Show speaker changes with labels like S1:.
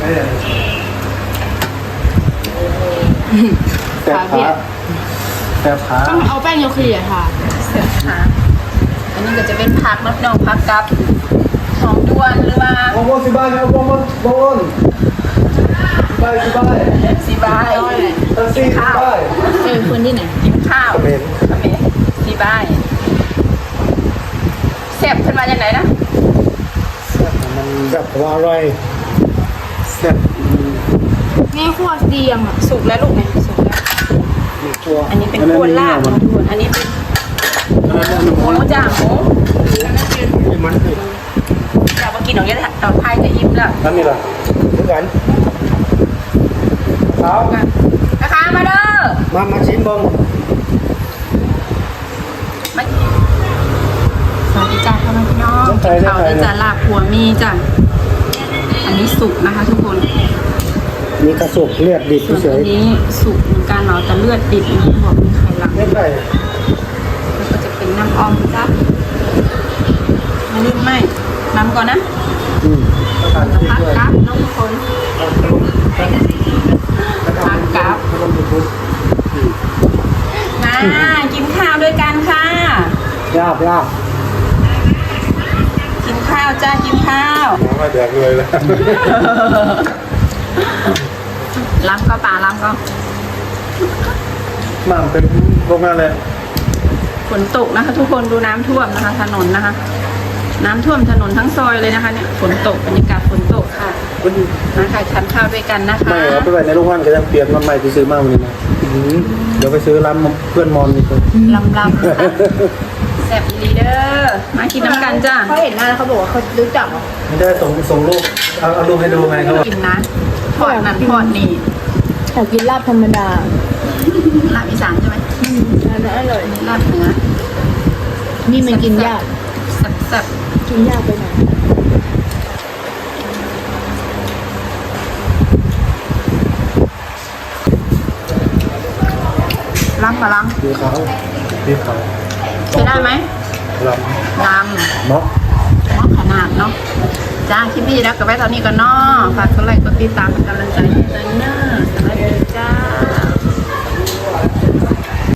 S1: แต่ขาแต่ขา
S2: ต้องเอาแป้งโยเคีค่ะเสร็จค่ะอันนี้ก็จะเป็นผักมะนาวผักกับหอมด้วนหรือว่า
S1: บองสิบายเอาบองสิบาย
S2: สีบาย
S1: สีข้าว
S2: เป็นคนที่ไหนกินข้าวสีบายแซ่บขึ้นมาจากไหนนะ
S1: มันแบบว่าอร่อยแซ่บ
S2: แม่คั่วดีอ่ะสุกแล้วลูกเนี่ยสุกแล้ว
S1: ตัว
S2: อันนี้เป็นคั่วลาบนะทุกคนอันนี้เป็นหมูจ่างหมู
S1: มันคือ
S2: จะมากินของเยอะต่อไทยจะอิ่มแล้ว
S1: นั่นนี่แหละเหมือนกันสาว
S2: นะคะมาเด้อ
S1: มาชิมบ้าง
S2: สวัสดีจ้าพ่อแม่พี่น้องกินข้าวด้วยจ้าลาบหัวมีจ้ะอันนี้สุกนะคะทุกคน
S1: มีกระสุกเลือดดิบ
S2: ส่วน
S1: เฉ
S2: อั
S1: ย
S2: นนี้สุกเหมือนกันเนาะแต่เลือดดิบนะบอกมีไข่หลัง
S1: ไม่ใช่
S2: แล้วก็จะเป็นน้ำอ้อมจ้ะไม่ลืมไม่น้ำก่อนนะ
S1: ทานที่
S2: พัก
S1: ด้วย
S2: กับน้องทุกคนพักกับมากินข้าวด้วยกันค่ะ
S1: ยาก
S2: กินข้าวจ้ากินข้าว
S1: ไม่แดกเลยแล้ว
S2: ล้ำก็ปลาล้ำก็
S1: มันเป็นโรงงานเลย
S2: ฝนตกนะคะ ทุกคนดูน้ำท่วมนะคะ ถนนนะคะ น้ำท่วมถนนทั้งซอยเลยนะคะเนี่ยฝนตกบรรยากาศฝนตกค่ะมาค่ะทานข้าวด้วยกันนะคะ
S1: ไม่เอาไปไว้ในโรงงานก็ยังเปลี่ยนมาใหม่ที่ซื้อมาวันนี้นะเดี๋ยวไปซื้อร้านเพื่อนมอนนี่เลย
S2: ลำนะคะแซ่บลีเดอร์มากินน้ำกันจ้า
S3: เขาเห็นหน้าแล้วเขาบอกว่าเขารู้จักเหรอ
S1: ไม่ได้ส่งรูปเอารูปให้ดูไงเขาบอก
S2: กินนะทอดนั่นทอดนี่
S3: อยากกินลาบธรรมดา
S2: ลาบอีสานใช่ไหม
S3: อันนั้นอร่อย
S2: ลาบเหนือ
S3: นี่มันกินยาก
S2: แซ่บ
S3: กินยากไปหน่อย
S2: ๆล้ำกับล้
S1: ดีเขา
S2: ำใช้ได้ไหม
S1: ล
S2: ล้ำ
S1: ำเนาะ
S2: เหมาะขนาดเนาะจ้าคลิปนี้แล้วก็ไว้ตอนนี้ก่อนเนาะฝากกดไลค์กดติดตามเป็นกำลังใจให้ด้วย